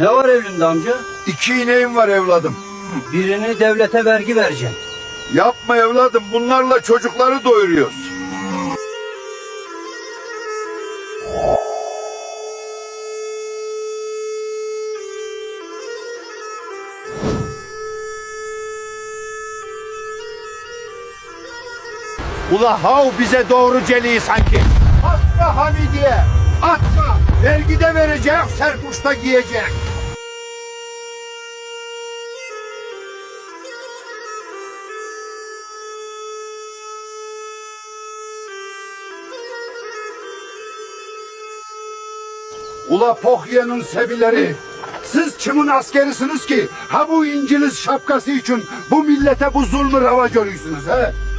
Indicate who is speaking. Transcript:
Speaker 1: Ne var elinde amca?
Speaker 2: 2 ineğim var evladım.
Speaker 1: Birini devlete vergi vereceksin.
Speaker 2: Yapma evladım, bunlarla çocukları doyuruyoruz. Ula hav bize doğru celiği sanki. Atma Hamidiye, atma. Vergide verecek, serpuşta giyecek. Ula Pohya'nın sebileri, siz kimin askerisiniz ki? Ha bu İngiliz şapkası için bu millete bu zulmü rava görüyorsunuz he?